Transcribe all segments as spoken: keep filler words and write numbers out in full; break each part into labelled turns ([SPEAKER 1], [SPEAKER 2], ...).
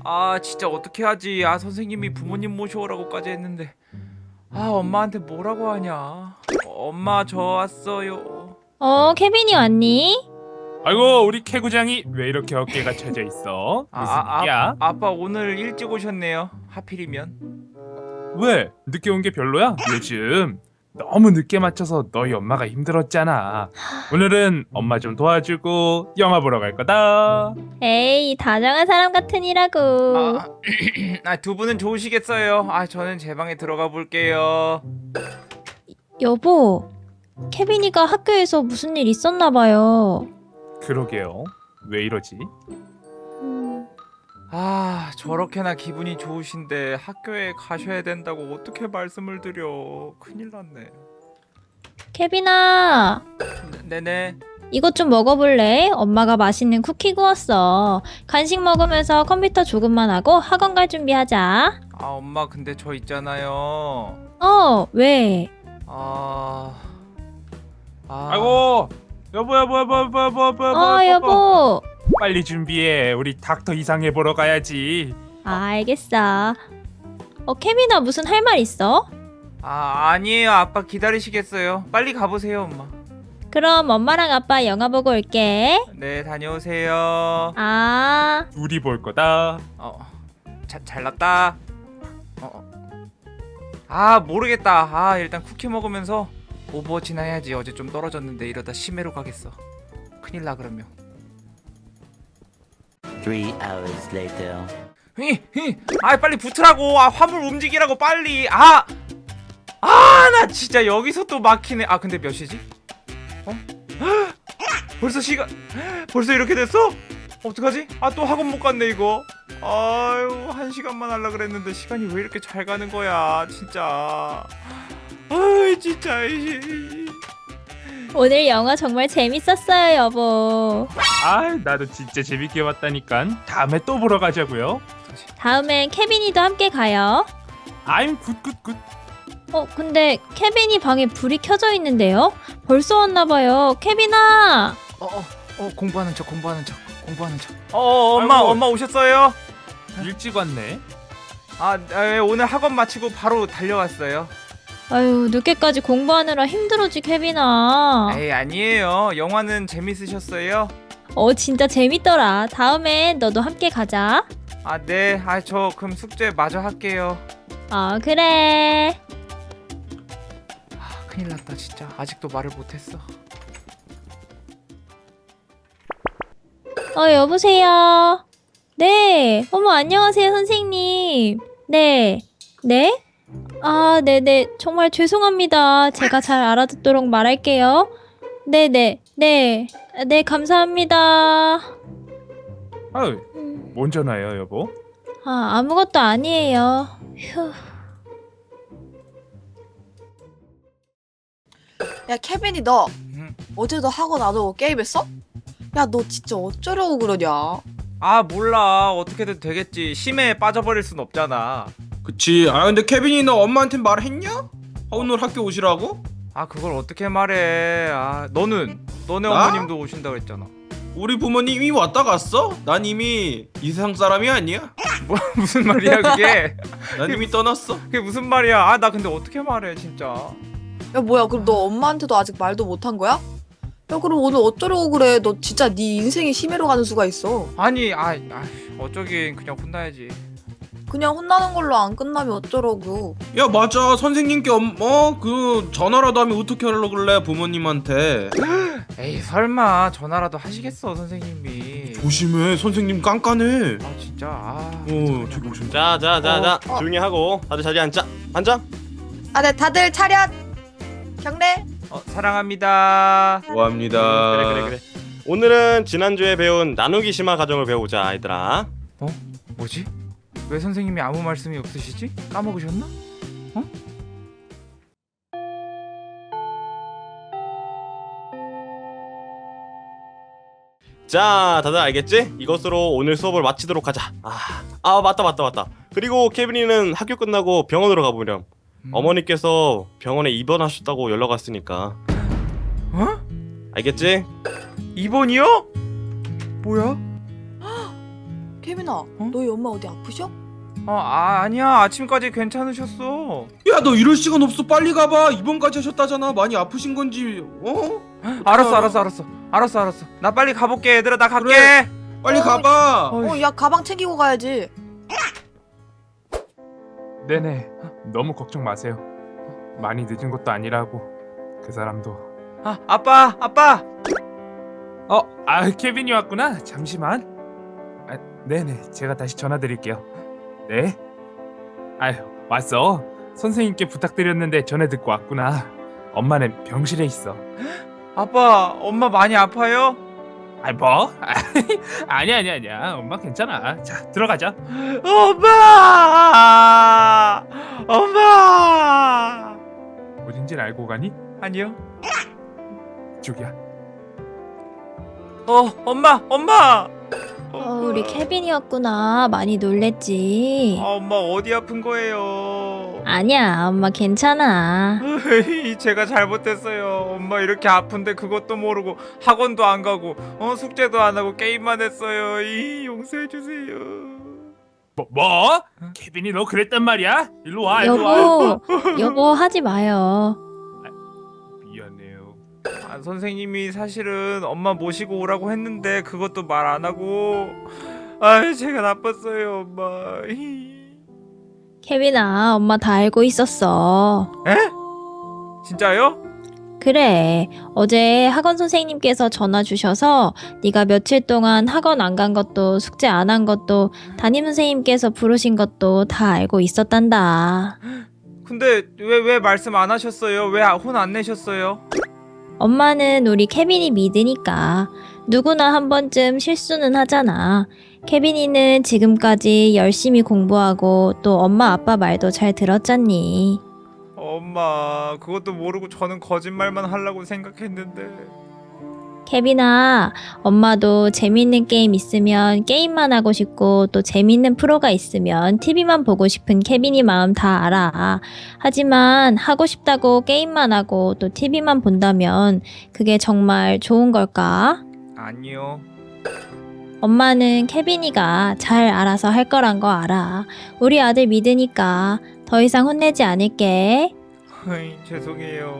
[SPEAKER 1] 아 진짜 어떻게 하지? 아 선생님이 부모님 모셔오라고까지 했는데 아 엄마한테 뭐라고 하냐? 엄마 저 왔어요.
[SPEAKER 2] 어, 케빈이 왔니?
[SPEAKER 3] 아이고 우리 캐구장이 왜 이렇게 어깨가 처져 있어?
[SPEAKER 1] 아,
[SPEAKER 3] 무슨
[SPEAKER 1] 아,
[SPEAKER 3] 일이야?
[SPEAKER 1] 아, 아빠 오늘 일찍 오셨네요. 하필이면.
[SPEAKER 3] 왜? 늦게 온 게 별로야? 요즘 너무 늦게 맞춰서 너희 엄마가 힘들었잖아. 오늘은 엄마 좀 도와주고 영화 보러 갈 거다.
[SPEAKER 2] 에이, 다정한 사람 같으니라고.
[SPEAKER 1] 아, 아, 두 분은 좋으시겠어요. 아 저는 제 방에 들어가 볼게요.
[SPEAKER 2] 여보, 케빈이가 학교에서 무슨 일 있었나 봐요.
[SPEAKER 3] 그러게요. 왜 이러지?
[SPEAKER 2] 음,
[SPEAKER 1] 아 저렇게나 기분이 좋으신데 학교에 가셔야 된다고 어떻게 말씀을 드려. 큰일 났네.
[SPEAKER 2] 케빈아,
[SPEAKER 1] 네, 네네.
[SPEAKER 2] 이것 좀 먹어볼래? 엄마가 맛있는 쿠키 구웠어. 간식 먹으면서 컴퓨터 조금만 하고 학원 갈 준비하자.
[SPEAKER 1] 아 엄마 근데 저 있잖아요.
[SPEAKER 2] 어, 왜?
[SPEAKER 1] 아... 아...
[SPEAKER 3] 아이고 여보 여보 여보 여보 여보 여보
[SPEAKER 2] 어, 여보.
[SPEAKER 3] 빨리 준비해. 우리 닥터 이상해 보러 가야지.
[SPEAKER 2] 아, 알겠어. 어, 케빈아, 무슨 할 말 있어?
[SPEAKER 1] 아 아니에요. 아빠 기다리시겠어요. 빨리 가보세요 엄마.
[SPEAKER 2] 그럼 엄마랑 아빠 영화 보고 올게.
[SPEAKER 1] 네 다녀오세요.
[SPEAKER 2] 아,
[SPEAKER 3] 둘이 볼 거다.
[SPEAKER 1] 어... 자, 잘났다. 어, 어. 아 모르겠다. 아 일단 쿠키 먹으면서 오버워치나 해야지. 어제 좀 떨어졌는데 이러다 심해로 가겠어. 큰일 나 그러면.
[SPEAKER 4] Three hours later.
[SPEAKER 1] 히, 히. 아 빨리 붙으라고. 아 화물 움직이라고 빨리. 아! 아 나 진짜 여기서 또 막히네. 아 근데 몇 시지? 어? 벌써 시간 벌써 이렇게 됐어? 어떡하지? 아 또 학원 못 갔네 이거. 아유 한 시간만 하려 그랬는데 시간이 왜 이렇게 잘 가는 거야 진짜. 아이 진짜.
[SPEAKER 2] 오늘 영화 정말 재밌었어요, 여보.
[SPEAKER 3] 아 나도 진짜 재밌게 봤다니까. 다음에 또 보러 가자고요.
[SPEAKER 2] 다음엔 케빈이도 함께 가요.
[SPEAKER 3] I'm 굿굿굿.
[SPEAKER 2] 어, 근데 케빈이 방에 불이 켜져 있는데요? 벌써 왔나 봐요. 케빈아!
[SPEAKER 1] 어어 어, 어, 공부하는 척 공부하는 척 공부하는 척. 어, 어 엄마
[SPEAKER 3] 아이고.
[SPEAKER 1] 엄마 오셨어요?
[SPEAKER 3] 일찍 왔네.
[SPEAKER 1] 아 에, 오늘 학원 마치고 바로 달려왔어요.
[SPEAKER 2] 아유, 늦게까지 공부하느라 힘들어지, 케빈아.
[SPEAKER 1] 에이 아니에요. 영화는 재밌으셨어요?
[SPEAKER 2] 어, 진짜 재밌더라. 다음엔 너도 함께 가자.
[SPEAKER 1] 아 네. 아 저 그럼 숙제 마저 할게요.
[SPEAKER 2] 어, 그래.
[SPEAKER 1] 아 큰일 났다 진짜. 아직도 말을 못했어.
[SPEAKER 2] 어, 여보세요? 네. 어머, 안녕하세요, 선생님. 네. 네? 아, 네네. 정말 죄송합니다. 제가 잘 알아듣도록 말할게요. 네네. 네. 네, 감사합니다.
[SPEAKER 3] 아유 뭔 전화예요 여보?
[SPEAKER 2] 아, 아무것도 아니에요. 휴.
[SPEAKER 5] 야 케빈이 너
[SPEAKER 1] 음.
[SPEAKER 5] 어제도 학원 안 오고 게임했어? 야 너 진짜 어쩌려고 그러냐?
[SPEAKER 1] 아 몰라. 어떻게든 되겠지. 심해에 빠져버릴 순 없잖아.
[SPEAKER 6] 그치. 아 근데 케빈이 너 엄마한테 말했냐? 오늘 학교 오시라고?
[SPEAKER 1] 아 그걸 어떻게 말해. 아 너는 너네
[SPEAKER 6] 나?
[SPEAKER 1] 어머님도 오신다고 했잖아.
[SPEAKER 6] 우리 부모님 이미 왔다 갔어? 난 이미 이 세상 사람이 아니야.
[SPEAKER 1] 뭐 무슨 말이야 그게.
[SPEAKER 6] 난 이미 떠났어.
[SPEAKER 1] 그게 무슨 말이야. 아 나 근데 어떻게 말해 진짜.
[SPEAKER 5] 야 뭐야 그럼 너 엄마한테도 아직 말도 못 한 거야? 야 그럼 오늘 어쩌려고 그래? 너 진짜 네 인생이 심해로 가는 수가 있어.
[SPEAKER 1] 아니 아, 아 어쩌긴 그냥 혼나야지.
[SPEAKER 5] 그냥 혼나는 걸로 안 끝나면 어쩌려고.
[SPEAKER 6] 야 맞아. 선생님께 엄, 어? 그 전화라도 하면 어떻게 하려고 그래 부모님한테.
[SPEAKER 1] 에이 설마 전화라도 하시겠어 선생님이.
[SPEAKER 6] 조심해. 선생님 깐깐해.
[SPEAKER 1] 아 진짜. 아
[SPEAKER 6] 어 저기 오신다.
[SPEAKER 7] 자, 자, 자, 자,
[SPEAKER 5] 어.
[SPEAKER 7] 조용히 하고 다들 자리에 앉자. 앉아.
[SPEAKER 5] 아 네 다들 차렷. 경례.
[SPEAKER 1] 어, 사랑합니다.
[SPEAKER 6] 고합니다.
[SPEAKER 7] 그래, 그래, 그래. 오늘은 지난주에 배운 나누기 심화 과정을 배우자, 얘들아.
[SPEAKER 1] 어? 뭐지? 왜 선생님이 아무 말씀이 없으시지? 까먹으셨나? 어?
[SPEAKER 7] 자, 다들 알겠지? 이것으로 오늘 수업을 마치도록 하자. 아, 아 맞다, 맞다, 맞다. 그리고 케빈이는 학교 끝나고 병원으로 가보렴.
[SPEAKER 1] 음.
[SPEAKER 7] 어머니께서 병원에 입원하셨다고 연락 왔으니까.
[SPEAKER 1] 어?
[SPEAKER 7] 알겠지?
[SPEAKER 1] 이번이요? 뭐야?
[SPEAKER 5] 케빈아, 너희 엄마 어디 아프셔?
[SPEAKER 1] 어 아, 아니야 아침까지 괜찮으셨어.
[SPEAKER 6] 야 너 이럴 시간 없어. 빨리 가봐. 입원까지 하셨다잖아. 많이 아프신 건지. 어?
[SPEAKER 1] 알았어 알았어 알았어 알았어 알았어 나 빨리 가볼게 얘들아. 나 갈게.
[SPEAKER 6] 그래. 빨리
[SPEAKER 5] 어,
[SPEAKER 6] 가봐.
[SPEAKER 1] 어이.
[SPEAKER 5] 어, 야 가방 챙기고 가야지.
[SPEAKER 3] 네네. 너무 걱정 마세요. 많이 늦은 것도 아니라고. 그 사람도.
[SPEAKER 1] 아 아빠 아빠.
[SPEAKER 3] 어, 아 케빈이 왔구나. 잠시만. 아, 네네. 제가 다시 전화 드릴게요. 네. 아유 왔어. 선생님께 부탁드렸는데 전에 듣고 왔구나. 엄마는 병실에 있어.
[SPEAKER 1] 아빠 엄마 많이 아파요?
[SPEAKER 3] 아이 뭐? 아니야 아니야 아니야. 엄마 괜찮아. 자 들어가자.
[SPEAKER 1] 엄마 엄마.
[SPEAKER 3] 어딘지는 알고 가니?
[SPEAKER 1] 아니요.
[SPEAKER 3] 이쪽이야.
[SPEAKER 1] 어 엄마 엄마.
[SPEAKER 2] 어, 우리 케빈이었구나. 많이 놀랬지.
[SPEAKER 1] 아, 엄마 어디 아픈 거예요?
[SPEAKER 2] 아니야, 엄마 괜찮아.
[SPEAKER 1] 으이, 제가 잘못했어요. 엄마 이렇게 아픈데 그것도 모르고 학원도 안 가고 어 숙제도 안 하고 게임만 했어요. 이 용서해 주세요.
[SPEAKER 3] 뭐 뭐? 케빈이 너 그랬단 말이야? 일로 와 일로 와.
[SPEAKER 2] 여보, 여보 하지 마요.
[SPEAKER 3] 미안해요.
[SPEAKER 1] 아, 선생님이 사실은 엄마 모시고 오라고 했는데 그것도 말 안 하고 아 제가 나빴어요 엄마. 히.
[SPEAKER 2] 케빈아, 엄마 다 알고 있었어.
[SPEAKER 1] 에? 진짜요?
[SPEAKER 2] 그래, 어제 학원 선생님께서 전화 주셔서 네가 며칠 동안 학원 안 간 것도 숙제 안 한 것도 담임 선생님께서 부르신 것도 다 알고 있었단다.
[SPEAKER 1] 근데 왜 왜 말씀 안 하셨어요? 왜 혼 안 내셨어요?
[SPEAKER 2] 엄마는 우리 케빈이 믿으니까 누구나 한 번쯤 실수는 하잖아. 케빈이는 지금까지 열심히 공부하고 또 엄마 아빠 말도 잘 들었잖니.
[SPEAKER 1] 엄마 그것도 모르고 저는 거짓말만 하려고 생각했는데.
[SPEAKER 2] 케빈아, 엄마도 재밌는 게임 있으면 게임만 하고 싶고 또 재밌는 프로가 있으면 티비만 보고 싶은 케빈이 마음 다 알아. 하지만 하고 싶다고 게임만 하고 또 티비만 본다면 그게 정말 좋은 걸까?
[SPEAKER 1] 아니요.
[SPEAKER 2] 엄마는 케빈이가 잘 알아서 할 거란 거 알아. 우리 아들 믿으니까 더 이상 혼내지 않을게.
[SPEAKER 1] 어이, 죄송해요.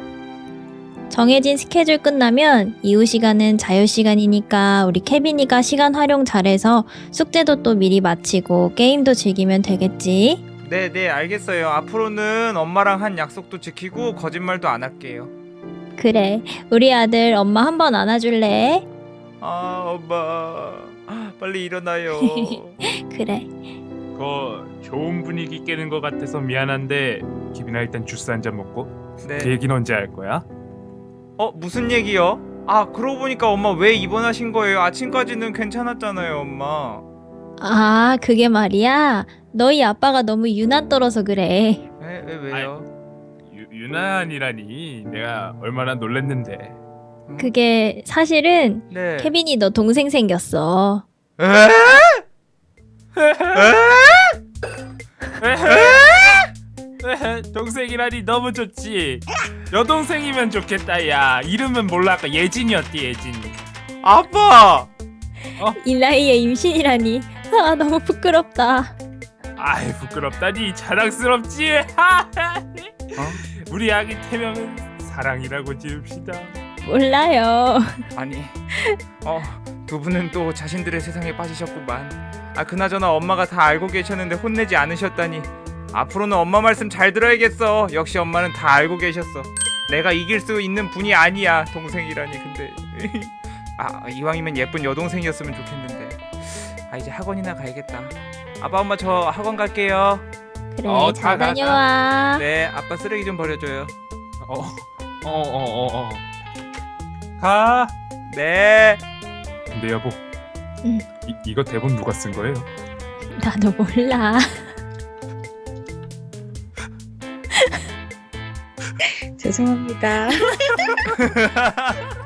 [SPEAKER 2] 정해진 스케줄 끝나면 이후 시간은 자유 시간이니까 우리 케빈이가 시간 활용 잘해서 숙제도 또 미리 마치고 게임도 즐기면 되겠지?
[SPEAKER 1] 네네 알겠어요. 앞으로는 엄마랑 한 약속도 지키고 거짓말도 안 할게요.
[SPEAKER 2] 그래, 우리 아들 엄마 한 번 안아줄래?
[SPEAKER 1] 아 엄마 빨리 일어나요.
[SPEAKER 2] 그래.
[SPEAKER 3] 그 좋은 분위기 깨는 것 같아서 미안한데 기빈아 일단 주스 한 잔 먹고.
[SPEAKER 1] 네.
[SPEAKER 3] 그 얘기는 언제 할 거야?
[SPEAKER 1] 어 무슨 얘기요? 아 그러고 보니까 엄마 왜 입원하신 거예요? 아침까지는 괜찮았잖아요 엄마.
[SPEAKER 2] 아, 그게 말이야. 너희 아빠가 너무 유난 떨어서 그래.
[SPEAKER 1] 왜, 왜 왜요?
[SPEAKER 3] 유, 유난이라니 내가 얼마나 놀랬는데.
[SPEAKER 1] 음?
[SPEAKER 2] 그게 사실은
[SPEAKER 1] 네.
[SPEAKER 2] 케빈이 너 동생 생겼어.
[SPEAKER 1] 에?
[SPEAKER 3] 동생이라니 너무 좋지. 여동생이면 좋겠다. 야 이름은 몰라. 아까 예진이었디. 예진이.
[SPEAKER 1] 아빠.
[SPEAKER 2] 이 나이에 임신이라니. 아, 너무 부끄럽다.
[SPEAKER 3] 아이 부끄럽다니. 자랑스럽지. 우리 아기 태명은 사랑이라고 지읍시다.
[SPEAKER 2] 몰라요.
[SPEAKER 1] 아니 어 두 분은 또 자신들의 세상에 빠지셨구만. 아 그나저나 엄마가 다 알고 계셨는데 혼내지 않으셨다니. 앞으로는 엄마 말씀 잘 들어야겠어. 역시 엄마는 다 알고 계셨어. 내가 이길 수 있는 분이 아니야. 동생이라니. 근데 아 이왕이면 예쁜 여동생이었으면 좋겠는데. 아 이제 학원이나 가야겠다. 아빠 엄마 저 학원 갈게요.
[SPEAKER 2] 그래,
[SPEAKER 3] 어,
[SPEAKER 2] 잘
[SPEAKER 3] 가, 가,
[SPEAKER 2] 다녀와.
[SPEAKER 1] 네 아빠 쓰레기 좀 버려줘요.
[SPEAKER 3] 어어어어 어, 어, 어. 가.
[SPEAKER 1] 네.
[SPEAKER 3] 근데 여보.
[SPEAKER 2] 응.
[SPEAKER 3] 이, 이거 대본 누가 쓴 거예요?
[SPEAKER 2] 나도 몰라.
[SPEAKER 5] 죄송합니다.